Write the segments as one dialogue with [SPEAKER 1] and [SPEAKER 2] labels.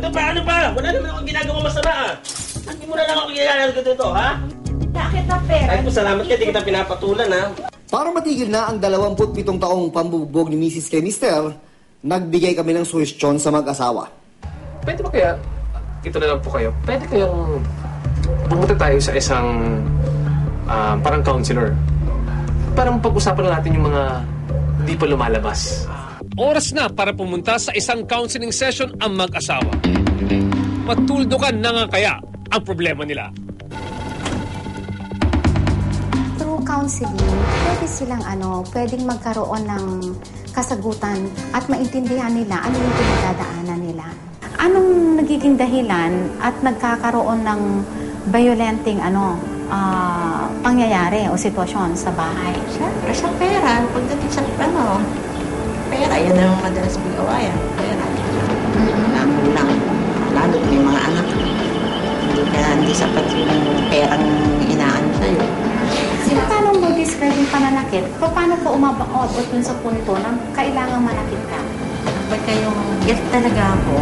[SPEAKER 1] Ano pa? Wala naman akong ginagawa masama ah. Hindi mo na lang ako ginagawa dito, ha?
[SPEAKER 2] Bakit na pera?
[SPEAKER 1] Kahit pasalamat ka, di kita pinapatulan, ha?
[SPEAKER 3] Para matigil na ang 27 taong pambubugbog ni Mrs. kay Mr., nagbigay kami ng suhestyon sa mag-asawa.
[SPEAKER 4] Pwede ba kaya, ito na lang po kayo, pwede kayong pumunta tayo sa isang parang counselor. Parang pag-usapan na natin yung mga hindi pa lumalabas.
[SPEAKER 5] Oras na para pumunta sa isang counseling session ang mag-asawa. Matuldukan na nga kaya ang problema nila.
[SPEAKER 2] Through counseling, pwede silang pwedeng magkaroon ng kasagutan at maintindihan nila ano yung pinagdadaanan nila. Anong nagiging dahilan at nagkakaroon ng violenting pangyayari o sitwasyon sa bahay?
[SPEAKER 6] Siyempre, sa pera. Pagdating sa pera, yan ang madalas bigawayan. Pera. Lalo may mga anak. Hindi sapat yung perang inaan sa'yo.
[SPEAKER 2] Paano mo describe yung pananakit? Paano ko umabot dun sa punto na kailangang manakit ka?
[SPEAKER 6] Pag kayong galit talaga ako,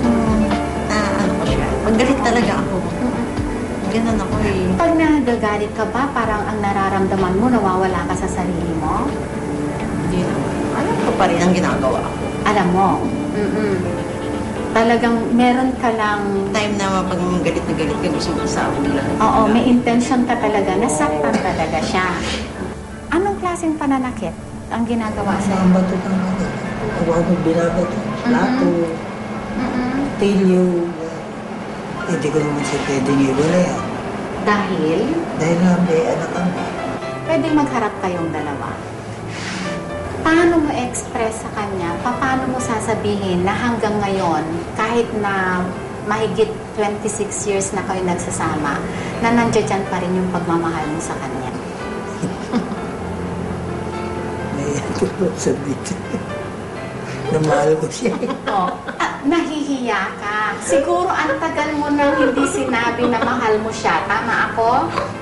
[SPEAKER 6] pag galit talaga ako, ganun ako eh.
[SPEAKER 2] Pag nagagalit ka ba, parang ang nararamdaman mo, nawawala ka sa sarili mo?
[SPEAKER 6] Hindi naman. Alam ko pa rin ang ginagawa ko.
[SPEAKER 2] Alam mo? Talagang meron ka lang...
[SPEAKER 6] Time na pag galit na galit ka, gusto mo sa ulan.
[SPEAKER 2] Oo, may intention ka talaga, nasaktan talaga siya. Anong klaseng pananakit ang ginagawa sa'yo?
[SPEAKER 7] Ang bato ng mga. Huwag mo binabato. Lato. Tilyo. Hindi ko naman siya pwedeng iwala yan.
[SPEAKER 2] Dahil?
[SPEAKER 7] Dahil nga may anak ang...
[SPEAKER 2] Pwedeng magharap kayong dalawa. Paano mo express sa kanya? Paano mo sasabihin na hanggang ngayon, kahit na mahigit 26 years na kayo nagsasama, na nandiyan pa rin yung pagmamahal mo sa kanya?
[SPEAKER 7] May tulog sa dito. Namahal ko siya.
[SPEAKER 2] Nahihiya ka. Siguro ang tagal mo nang hindi sinabi na mahal mo siya. Tama ako?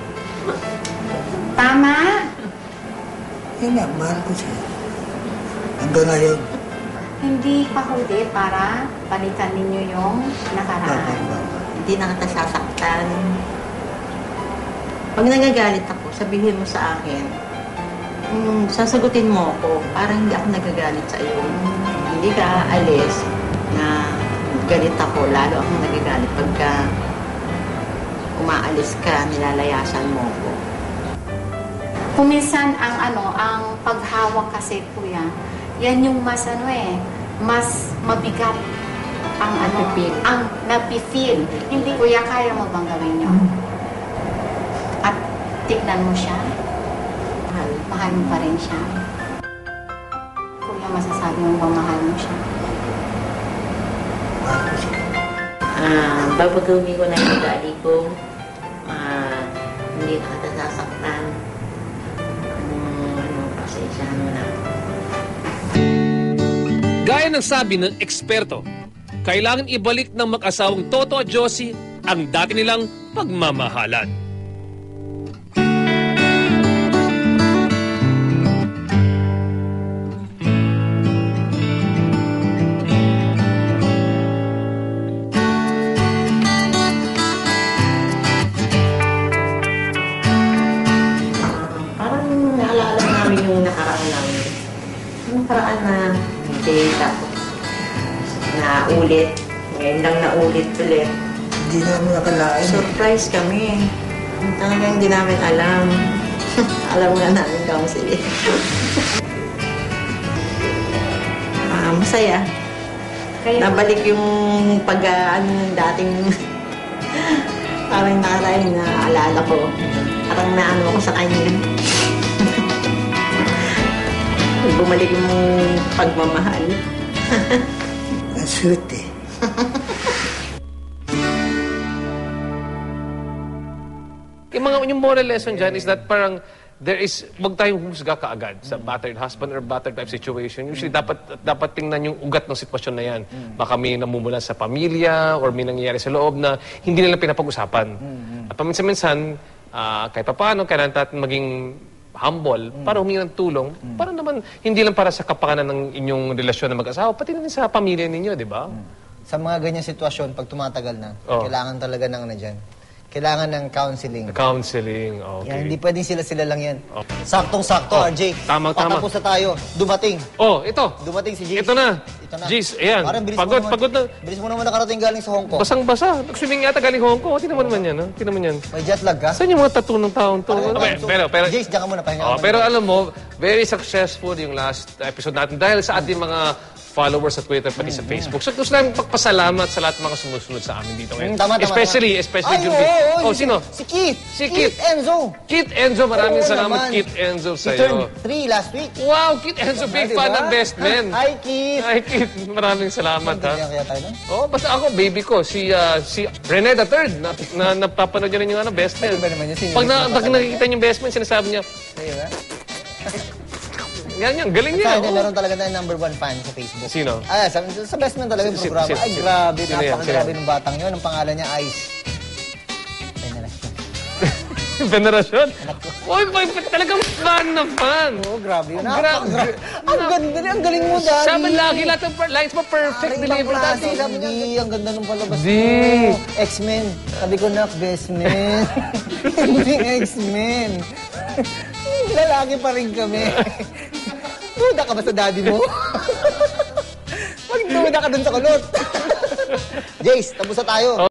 [SPEAKER 2] Tama?
[SPEAKER 7] Yan nga, mahal ko siya. Hanggang ngayon.
[SPEAKER 2] Hindi pa huli para balikan ninyo yung nakaraan.
[SPEAKER 6] Hindi na kita sasaktan. Pag nagagalit ako, sabihin mo sa akin, sasagutin mo ako, parang hindi ako nagagalit sa iyo. Hindi ka aalis na galit ako, lalo akong nagagalit pagka umaalis ka, nilalayasan mo ako.
[SPEAKER 2] Kuminsan ang paghawak kasi, kuya, yan yung mas mas mabigat ang ang napifeel. Hindi, kuya, kaya mo bang gawin yun? At tignan mo siya? Mahal mo pa rin siya? Kuya, masasabi mo bang mahal mo siya?
[SPEAKER 7] Mahal ko siya.
[SPEAKER 6] Babagawin ko na yung ugali ko. Hindi na kita sasaktan. Pasensyahan mo na.
[SPEAKER 5] Gaya ng sabi ng eksperto, kailangan ibalik ng mag-asawang Toto at Josie ang dati nilang pagmamahalan.
[SPEAKER 6] Parang naalala namin yung nakaraan namin. Yung nakaraan na hindi tapos naulit. Ngayon lang naulit ulit.
[SPEAKER 7] Hindi namin nakalain.
[SPEAKER 6] Surprise kami. Talagang hindi namin alam. Alam nga namin counseling. Masaya. Nabalik yung ng dating parang nakaraan na alala ko. Parang naano ako sa kanya. Bumalik yung pagmamahal.
[SPEAKER 7] Ang sweet eh.
[SPEAKER 5] Yung moral lesson dyan is that parang wag tayong humusga kaagad sa battered husband or battered type situation. Usually, dapat tingnan yung ugat ng sitwasyon na yan. Baka may namumula sa pamilya or may nangyayari sa loob na hindi nila pinapag-usapan. At paminsan-minsan, kahit pa paano, kailangan natin maging humble para humingi ng tulong. Para naman, hindi lang para sa kapakanan ng inyong relasyon na mag-asawa, pati na rin sa pamilya ninyo, di ba?
[SPEAKER 8] sa mga ganyang sitwasyon, pag tumatagal na,
[SPEAKER 5] Oh.
[SPEAKER 8] kailangan talaga ng ano dyan. Kailangan ng counseling.
[SPEAKER 5] Counseling, okay.
[SPEAKER 8] Yan, hindi pwedeng sila lang yan.
[SPEAKER 5] Oh.
[SPEAKER 8] Saktong-sakto,
[SPEAKER 5] Oh,
[SPEAKER 8] RJ.
[SPEAKER 5] tama.
[SPEAKER 8] Patapos na tayo. Dumating.
[SPEAKER 5] Oh, ito.
[SPEAKER 8] Dumating si Jace.
[SPEAKER 5] Ito na.
[SPEAKER 8] Ito na.
[SPEAKER 5] Jace, ayan.
[SPEAKER 8] Parang
[SPEAKER 5] Pagod na.
[SPEAKER 8] Bilis mo naman nakarating galing sa Hong Kong.
[SPEAKER 5] Basang-basa. Nag-swimming yata galing Hong Kong. Tingnan mo naman yan, ha? Tingnan mo yan.
[SPEAKER 8] May jet lag ka?
[SPEAKER 5] Saan yung mga tattoo ng taon to? Pero,
[SPEAKER 8] Jace, diyan ka muna. Pahinga ka muna.
[SPEAKER 5] pero alam mo, very successful yung last episode natin dahil sa ating mga followers sa Twitter pati sa Facebook. So, gusto namin pagpasalamat sa lahat ng mga sumusunod sa amin dito ngayon.
[SPEAKER 8] Tama.
[SPEAKER 5] Especially
[SPEAKER 8] Ay,
[SPEAKER 5] yung...
[SPEAKER 8] oo,
[SPEAKER 5] Oh, sino?
[SPEAKER 8] Si Keith.
[SPEAKER 5] Si Keith.
[SPEAKER 8] Enzo.
[SPEAKER 5] Kit Enzo, maraming
[SPEAKER 8] Oo
[SPEAKER 5] salamat
[SPEAKER 8] naman.
[SPEAKER 5] Kit Enzo
[SPEAKER 8] He turned
[SPEAKER 5] sa'yo.
[SPEAKER 8] 3 last week.
[SPEAKER 5] Wow, Kit Enzo, big
[SPEAKER 8] Diba?
[SPEAKER 5] fan ng Best Men.
[SPEAKER 8] Hi, Keith.
[SPEAKER 5] Hi, Kit. Maraming salamat, ha.
[SPEAKER 8] Ganyan kaya tayo, no?
[SPEAKER 5] Oh, basta ako, baby ko, si Rene the Third, na napapanood niya rin yung Best Men.
[SPEAKER 8] Ano ba naman yun? Sino
[SPEAKER 5] Pag
[SPEAKER 8] yun?
[SPEAKER 5] nakikita niyo yung Best Men, sinasabi niya,
[SPEAKER 8] Sa'yo, ha?
[SPEAKER 5] yan, galing
[SPEAKER 8] Sa
[SPEAKER 5] niya.
[SPEAKER 8] akin,
[SPEAKER 5] oh.
[SPEAKER 8] meron talaga tayong #1 fan sa Facebook.
[SPEAKER 5] Sino?
[SPEAKER 8] Sa Best Man talaga yung programa. Ay, grabe.
[SPEAKER 5] Sino yan?
[SPEAKER 8] Napakagrabe ng batang yun. Ang pangalan niya, Ice.
[SPEAKER 5] Venerasyon. Uy, talagang fan na fan.
[SPEAKER 8] Oo, grabe yun.
[SPEAKER 5] Grabe.
[SPEAKER 8] Ang ganda niya. Ang galing mo, Daddy.
[SPEAKER 5] Sabi lagi, lahat ng lines mo perfect delivery, Daddy. Sabi niya,
[SPEAKER 8] Hindi, ang ganda ng palabas
[SPEAKER 5] Di.
[SPEAKER 8] mo. X-Men. Sabi ko na, Best Man. Hindi X-Men. Lalaki pa rin kami. Duda ka ba sa daddy mo? Magduda ka dun sa kulot. Jace, tapos na tayo.